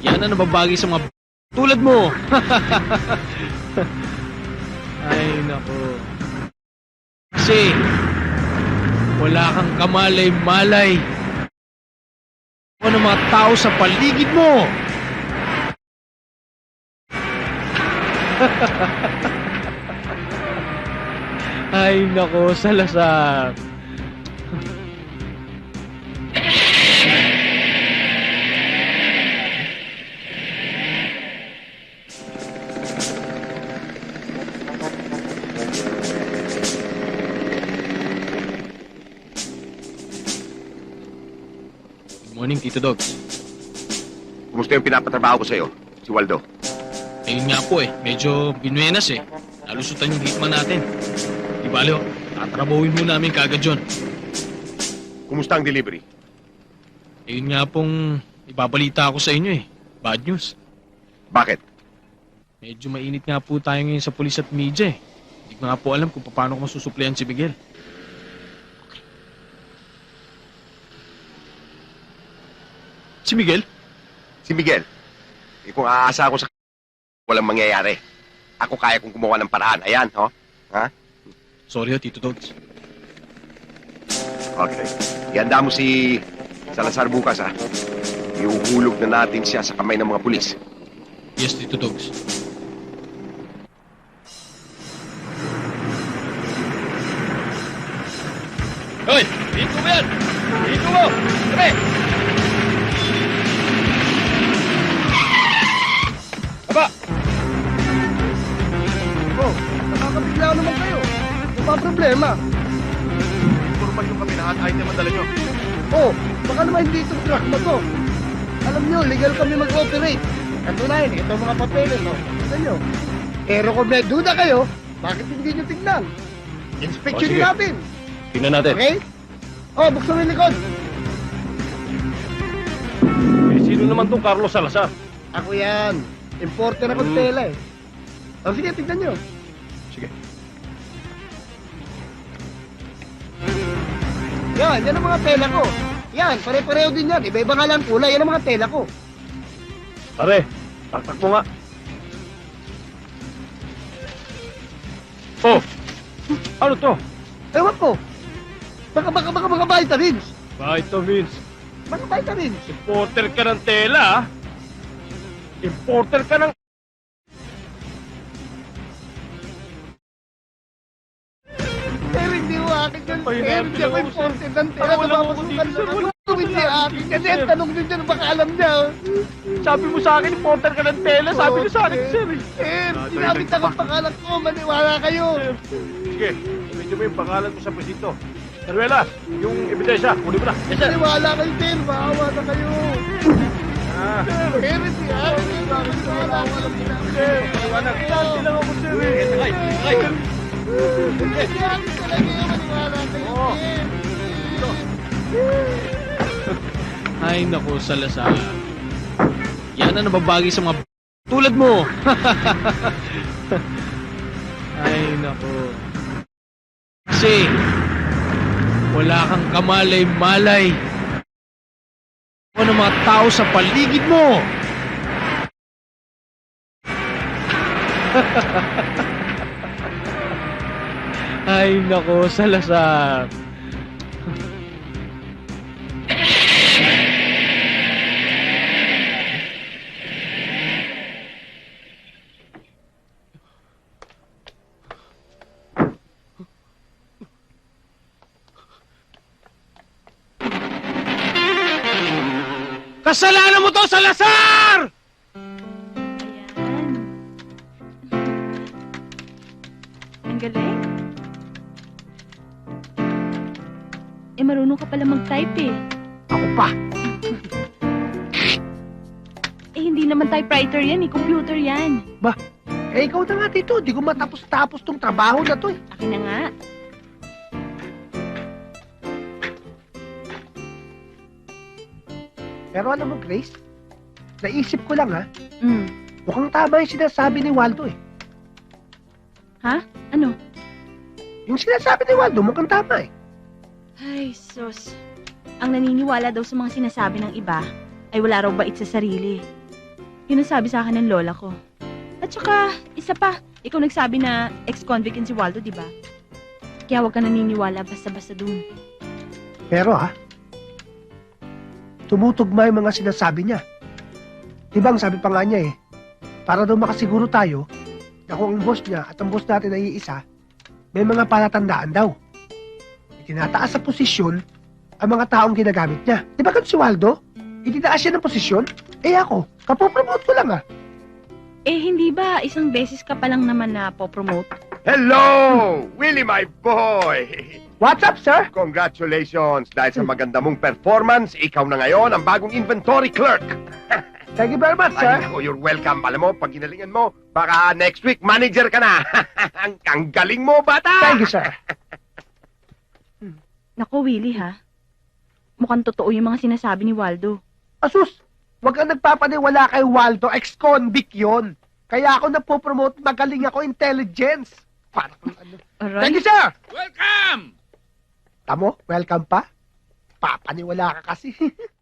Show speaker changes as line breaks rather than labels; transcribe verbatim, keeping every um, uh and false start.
Yan ang nababagay sa mga tulad mo. Ay, nako. Kasi, wala kang kamalay-malay. Ano ng mga tao sa paligid mo? Ay, nako, Salazar. Morning, Tito Dogs.
Kumusta yung pinapatrabaho ko sa'yo, si Waldo?
Ayun nga po eh, medyo binuenas eh. Nalusutan yung hitman natin. Di bale, oh, tatrabahuin mo namin kagad yun.
Kumusta ang delivery?
Ayun nga pong ibabalita ako sa inyo eh. Bad news.
Bakit?
Medyo mainit nga po tayo ngayon sa pulis at media eh. Hindi ko nga po alam kung paano ko masusuplayan si Miguel. Si Miguel?
Si Miguel. Eh kung aasa ako sa walang mangyayari. Ako kaya kong gumawa ng paraan. Ayan, ho? Ha?
Sorry ho, Tito Dogs.
Okay. Ihanda mo si Salazar bukas, ha? Iuhulog na natin siya sa kamay ng mga pulis.
Yes, Tito Dogs. Hoy! Dito mo yan! Dito mo! Kami! Aba!
Oh, nakakabigla naman kayo. Ano ba ang problema?
Informal yung kami lahat item ang dala nyo.
Oh, baka naman hindi itong truck na to. Alam nyo, legal kami mag-operate. Katunayan, ito ang mga papeles, no? Tignan nyo. Pero kung may duda kayo, bakit hindi nyo tignan? Inspection
Oh, sige.
natin.
Tingnan natin.
Okay? Oh, buksan mo yung likod.
Eh, sino naman tong Carlos Salazar?
Ako yan. Importer ako ng
Hmm.
tela eh. Oh, sige, tignan nyo.
Sige.
Yan, yan ang mga tela ko. Yan, pare-pareho din yan. Iba-iba nga lang kulay. Yan ang mga tela ko.
Pare, taktak mo nga. Oh! Ano to?
Ewan ko. Baka, baka, baka, baka vitamins.
Vitamins.
Baka vitamins.
Importer ka ng tela, ah. Importer ka ng...
Pero hindi mo akin yun.
Ay,
Pero hindi ako
natin ako,
imported ng tela.
Ako wala ako
Napapasukan
dito, sir.
lang
Wala
ako. Hindi akin. Kasi ang tanong din dyan, baka alam niya.
Sabi mo sa akin, importer ka ng tela. Sabi niyo sa akin, sir. eh.
Sir, sinabit ako ang pangalan ko. Maniwala kayo.
Sige, medyo mo yung pangalan mo sa presito. Heruelas, yung ebidensya, kunin mo na. Yes, sir.
Maniwala kayo, sir. Maawa na kayo.
Ah,
Pero hindi akin. Bakit wala ko alam niya.
sir, paliwanag. Hindi lang ako, sir. eh. Sakay, sakay.
Hindi akin talaga yun. Maniwala kayo,
Oo.
sir.
Ay, naku, Salazar. Yan ang nababagay sa mga tulad mo. Ay, naku. Kasi, wala kang kamalay-malay. Ano ng mga tao sa paligid mo? Ay, naku, Salazar. Kasalanan mo to, Salazar!
Ayan. Ang galing. Eh, marunong ka pala mag-type eh.
Ako pa.
Eh, hindi naman typewriter yan eh. Computer yan.
Eh, ikaw na nga dito. Di ko matapos-tapos tong trabaho na to eh.
Akin na nga.
Pero alam mo, Grace, naisip ko lang ha,
Mm.
mukhang tama yung sinasabi ni Waldo eh.
Ha? Ano?
Yung sinasabi ni Waldo, mukhang tama eh.
Ay, sus. Ang naniniwala daw sa mga sinasabi ng iba ay wala raw bait sa sarili. Yun ang sabi sa akin ng lola ko. At saka, isa pa, ikaw nagsabi na ex-convict yun si Waldo, di ba? Kaya huwag ka naniniwala basta-basta dun.
Pero ha, tumutugma yung mga sinasabi niya. Diba ang sabi pa nga niya eh, para daw makasiguro tayo na kung ang boss niya at ang boss natin ay iisa, may mga palatandaan daw. Itinataas sa posisyon ang mga taong ginagamit niya. Di ba ganun si Waldo? Itinaas siya ng posisyon? Eh ako, kapopromote ko lang ah.
Eh, hindi ba isang beses ka pa lang naman na po-promote?
Hello! Willie, my boy!
What's up, sir?
Congratulations! Dahil sa maganda mong performance, ikaw na ngayon ang bagong inventory clerk.
Thank you very much, sir.
Ay, ako, you're welcome. Alam mo, pag ginalingan mo, baka next week, manager ka na. ang, ang galing mo, bata!
Thank you, sir.
Naku, Willie ha. Mukhang totoo yung mga sinasabi ni Waldo.
Asus, wag kang nagpapaniwala kay Waldo, ex-convict yun. Kaya ako napopromote, magaling ako, intelligence. Para kung ano.
Aray.
Thank you, sir!
Welcome!
Tamo, welcome pa. Papaniwala ka kasi.